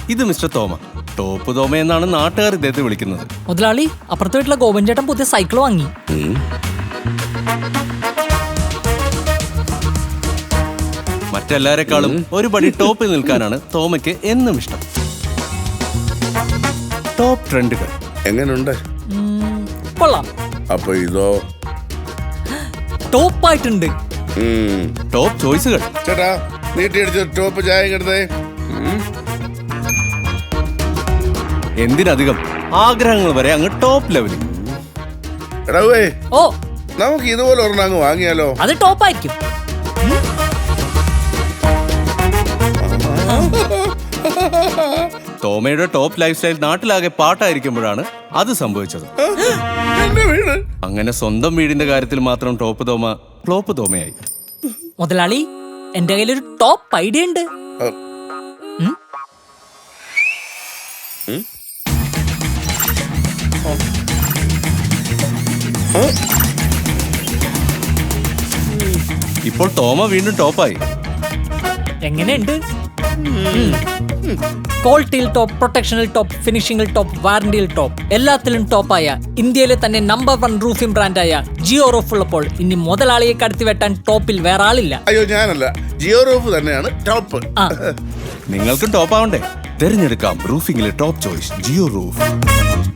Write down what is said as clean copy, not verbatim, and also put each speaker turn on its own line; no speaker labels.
ഇത് മിസ്റ്റർ തോമ. ടോപ്പ് തോമ എന്നാണ് നാട്ടുകാർ ഇദ്ദേഹത്തെ വിളിക്കുന്നത്.
മുതലാളി, അപ്പുറത്തെ വീട്ടിലെ ഗോപൻ ചേട്ടൻ പുതിയ സൈക്കിൾ വാങ്ങി.
മറ്റെല്ലാരെക്കാളും ഒരു പടി ടോപ്പിൽ നിൽക്കാനാണ് തോമയ്ക്ക് എന്നും ഇഷ്ടം. ടോപ്പ് ട്രെൻഡുകൾ
എങ്ങനെയുണ്ട്?
കൊള്ളാം.
അപ്പൊ ഇതോ?
ടോപ്പായിട്ടുണ്ട്.
ടോപ്പ് ചോയ്സുകൾ.
ചേട്ടാ, നീട്ടിയടിച്ച ടോപ്പ് ചായ എടുത്തേ.
എന്തിനധികം ആഗ്രഹങ്ങൾ വരെ അങ്ങ് ടോപ്പ് ലെവലിൽ.
എടാവേ,
ഓ,
നമുക്ക് ഇതുപോലെ ഒരെണ്ണം അങ്ങ് വാങ്ങിയാലോ?
അത് ടോപ്പായിരിക്കും.
തോമയുടെ ടോപ്പ് ലൈഫ് സ്റ്റൈൽ നാട്ടിലാകെ പാട്ടായിരിക്കുമ്പോഴാണ് അത് സംഭവിച്ചത്. അങ്ങനെ സ്വന്തം വീടിന്റെ കാര്യത്തിൽ മാത്രം ടോപ്പ് തോമ ഫ്ലോപ്പ് തോമയായി.
മുതലാളി, എന്റെ കയ്യിലൊരു ടോപ്പ് ഐഡിയ ഉണ്ട്.
ഇപ്പോൾ തോമ വീണ്ടും ടോപ്പായി.
എങ്ങനെയുണ്ട്? ക്വാളിറ്റിയിൽ ടോപ്പ്, പ്രൊട്ടക്ഷനിൽ ടോപ്പ്, ഫിനിഷിംഗിൽ ടോപ്പ്, വാറന്റിയിൽ ടോപ്പ്, എല്ലാത്തിലും ടോപ്പായ ഇന്ത്യയിലെ തന്നെ നമ്പർ 1 റൂഫിംഗ് ബ്രാൻഡായ ജിയോ റൂഫ് ഉള്ളപ്പോൾ ഇനി മുതലാളിയെ കടത്തി വെട്ടാൻ ടോപ്പിൽ വേറെ ആളില്ല.
അയ്യോ, ഞാനല്ല, ജിയോ റൂഫ് തന്നെയാണ് ടോപ്പ്.
നിങ്ങൾക്കും ടോപ്പ് ആവണ്ടേ? തിരഞ്ഞെടുക്കാം റൂഫിംഗിലെ ടോപ്പ് ചോയ്സ് ജിയോ റൂഫ്.